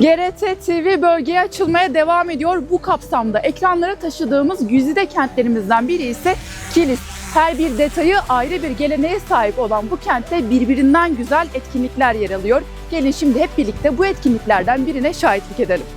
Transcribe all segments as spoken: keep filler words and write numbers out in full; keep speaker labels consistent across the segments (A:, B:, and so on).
A: G R T T V bölgeye açılmaya devam ediyor. Bu kapsamda ekranlara taşıdığımız güzide kentlerimizden biri ise Kilis. Her bir detayı ayrı bir geleneğe sahip olan bu kentte birbirinden güzel etkinlikler yer alıyor. Gelin şimdi hep birlikte bu etkinliklerden birine şahitlik edelim.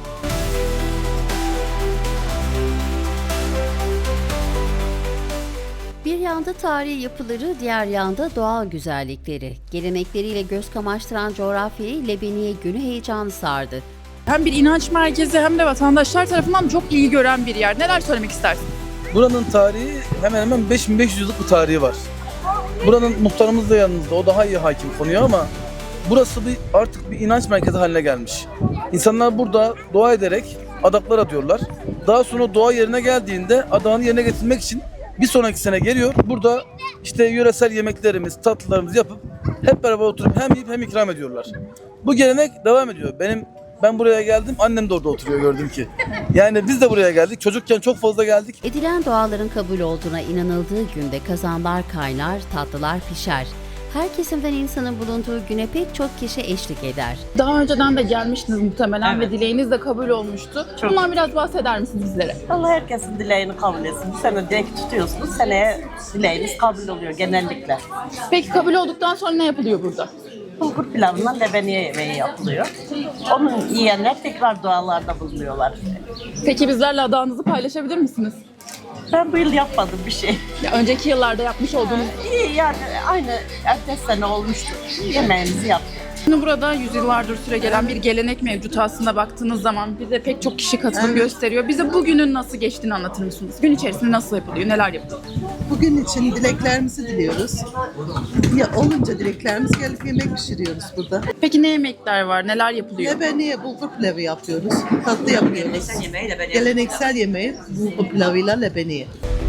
B: Bir yanda tarihi yapıları, diğer yanda doğal güzellikleri. Gelenekleriyle göz kamaştıran coğrafyayı Lebeniye Günü heyecanı sardı.
A: Hem bir inanç merkezi hem de vatandaşlar tarafından çok ilgi gören bir yer. Neler söylemek istersin?
C: Buranın tarihi hemen hemen beş bin beş yüz yıllık bir tarihi var. Buranın muhtarımız da yanımızda, o daha iyi hakim konuya ama burası bir artık bir inanç merkezi haline gelmiş. İnsanlar burada dua ederek adaklar atıyorlar. Daha sonra dua yerine geldiğinde adağını yerine getirmek için bir sonraki sene geliyor. Burada işte yöresel yemeklerimiz, tatlılarımızı yapıp hep beraber oturup hem yiyip hem ikram ediyorlar. Bu gelenek devam ediyor. Benim ben buraya geldim, annem de orada oturuyor gördüm ki. Yani biz de buraya geldik. Çocukken çok fazla geldik.
B: Edilen duaların kabul olduğuna inanıldığı günde kazanlar kaynar, tatlılar pişer. Her kesimden insanın bulunduğu güne pek çok kişi eşlik eder.
A: Daha önceden de gelmiştiniz muhtemelen
D: Evet.
A: ve dileğiniz de kabul olmuştu.
D: Çok.
A: Bundan biraz bahseder misiniz bizlere?
D: Allah herkesin dileğini kabul etsin. Bu sene dilek tutuyorsunuz, seneye dileğiniz kabul oluyor genellikle.
A: Peki kabul olduktan sonra ne yapılıyor burada?
D: Bulgur pilavından lebeniye yemeği yapılıyor. Onu yiyenler tekrar dualarda bulunuyorlar.
A: Peki bizlerle adağınızı paylaşabilir misiniz?
D: Ben bu yıl yapmadım bir şey.
A: Ya önceki yıllarda yapmış olduğunuz...
D: İyi yani aynı ertesi sene olmuştu. Yemeğimizi yaptık.
A: Şimdi burada yüzyıllardır süre gelen bir gelenek mevcut aslında baktığınız zaman. Bize pek çok kişi katılım gösteriyor. Bize bugünün nasıl geçtiğini anlatır mısınız? Gün içerisinde nasıl yapılıyor, neler yapılıyor?
E: Bugün için dileklerimizi diliyoruz. Ya olunca dileklerimiz gelip yemek pişiriyoruz burada.
A: Peki ne yemekler var, neler yapılıyor?
E: Lebeniye bulgur pilavı yapıyoruz. Tatlı yapıyoruz. Geleneksel yemeği bulgur pilavıyla lebeniye.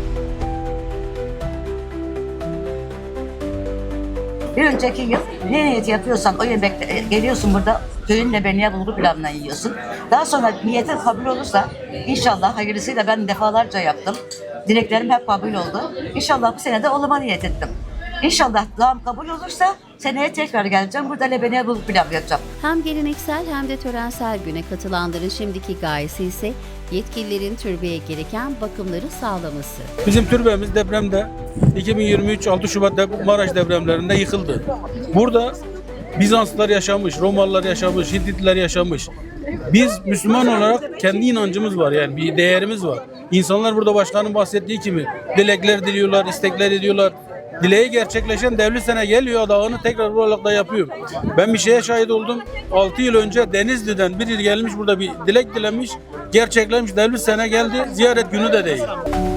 F: Bir önceki yıl ne niyeti yapıyorsan o yemekte geliyorsun burada köyün lebeniye bulgur pilavından yiyorsun. Daha sonra niyetin kabul olursa inşallah hayırlısıyla ben defalarca yaptım. Dileklerim hep kabul oldu. İnşallah bu sene de oluma niyet ettim. İnşallah duam kabul olursa seneye tekrar geleceğim. Burada lebeniye bulgur pilav yapacağım.
B: Hem geleneksel hem de törensel güne katılanların şimdiki gayesi ise yetkililerin türbeye gereken bakımları sağlaması.
G: Bizim türbemiz depremde iki bin yirmi üç altı Şubat dep- Maraş depremlerinde yıkıldı. Burada Bizanslılar yaşamış, Romalılar yaşamış, Hititler yaşamış. Biz Müslüman olarak kendi inancımız var, yani bir değerimiz var. İnsanlar burada başkanın bahsettiği gibi dilekler diliyorlar, istekler ediyorlar. Dileği gerçekleşen devlet sene geliyor, adağını tekrar buralarda yapıyor. Ben bir şeye şahit oldum. altı yıl önce Denizli'den biri gelmiş burada bir dilek dilemiş. Gerçekleşmiş, devlet sene geldi. Ziyaret günü de değil.